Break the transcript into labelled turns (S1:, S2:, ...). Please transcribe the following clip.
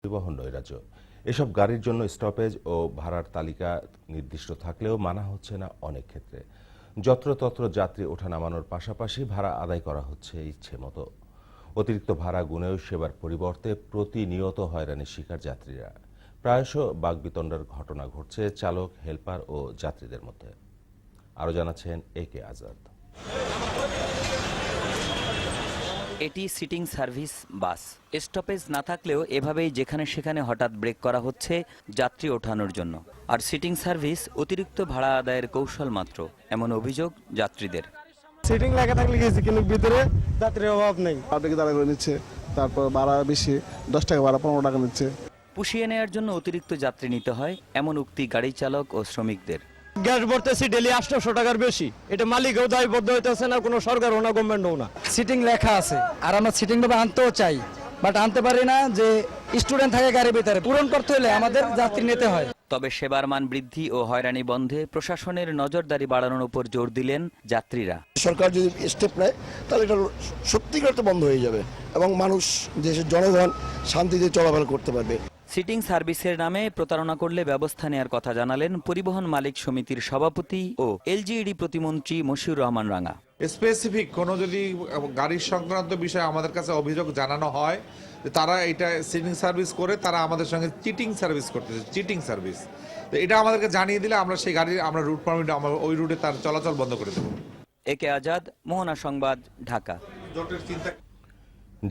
S1: পরিবহন নৈরাজ্য। এসব গাড়ির জন্য স্টপেজ ও ভাড়ার তালিকা নির্দিষ্ট থাকলেও মানা হচ্ছে না অনেক ক্ষেত্রে। যত্রতত্র যাত্রী ওঠা নামানোর পাশাপাশি ভাড়া আদায় করা হচ্ছে ইচ্ছে মতো। অতিরিক্ত ভাড়া গুনেও সেবার পরিবর্তে প্রতিনিয়ত হয়রানির শিকার যাত্রীরা। প্রায়শ বাকবিতণ্ডার ঘটনা ঘটছে চালক, হেলপার ও যাত্রীদের মধ্যে। আরও জানাচ্ছেন AK আজাদ।
S2: এটি সিটিং সার্ভিস বাস। স্টপেজ না থাকলেও এভাবেই যেখানে সেখানে হঠাৎ ব্রেক করা হচ্ছে যাত্রী ওঠানোর জন্য। আর সিটিং সার্ভিস অতিরিক্ত ভাড়া আদায়ের কৌশল মাত্র, এমন অভিযোগ যাত্রীদের।
S3: সিটিং লেখা থাকলে গেছি, কিন্তু ভিতরে যাত্রীর অভাব নেই।
S4: পাবলিক দাঁড়া করে নিচ্ছে, তারপর ভাড়া বেশি, 10 টাকা ভাড়া 15 টাকা নিচ্ছে।
S2: পুষিয়ে নেওয়ার জন্য অতিরিক্ত যাত্রী নিতে হয়, এমন উক্তি গাড়ি চালক ও শ্রমিকদের।
S3: গ্যাস ভরতেছি ডেলি 800 টাকার বেশি, এটা মালিকও দায়বদ্ধ হইতেছে না, কোনো সরকারও না, গভর্নমেন্টও না।
S5: সিটিং লেখা আছে আর আমরা সিটিং ভাবে আনতেও চাই, বাট আনতে পারি না। যে স্টুডেন্ট থাকে গাড়ির ভিতরে, পূরণ করতে হলে আমাদের যাত্রী নিতে হয়।
S2: তবে সেবার মান বৃদ্ধি ও হয়রানি বন্ধে প্রশাসনের নজরদারি বাড়ানোর উপর জোর দিলেন যাত্রীরা।
S6: সরকার যদি স্টেপ নেয় তাহলে এটা সত্যিকার বন্ধ হয়ে যাবে এবং মানুষ, দেশের জনগণ শান্তিতে চলাফেরা করতে পারবে।
S2: সিটিং সার্ভিসের নামে প্রতারণা করলে ব্যবস্থা নেওয়ার কথা জানালেন পরিবহন মালিক সমিতির সভাপতি ও LGED প্রতিমন্ত্রী মশিউর রহমান রাঙা।
S7: স্পেসিফিক কোনো যদি গাড়ির সংক্রান্ত বিষয়ে আমাদের কাছে অভিযোগ জানানো হয়, তারা এটা সিটিং সার্ভিস করে তারা আমাদের সঙ্গে চিটিং সার্ভিস করতেছে, চিটিং সার্ভিস। তো এটা আমাদেরকে জানিয়ে দিলে আমরা সেই গাড়ির রুট পারমিট ওই রুটে তার চলাচল বন্ধ করে দেবো।
S2: AK আজাদ, মোহনা সংবাদ, ঢাকা।
S7: জোটের চিন্তা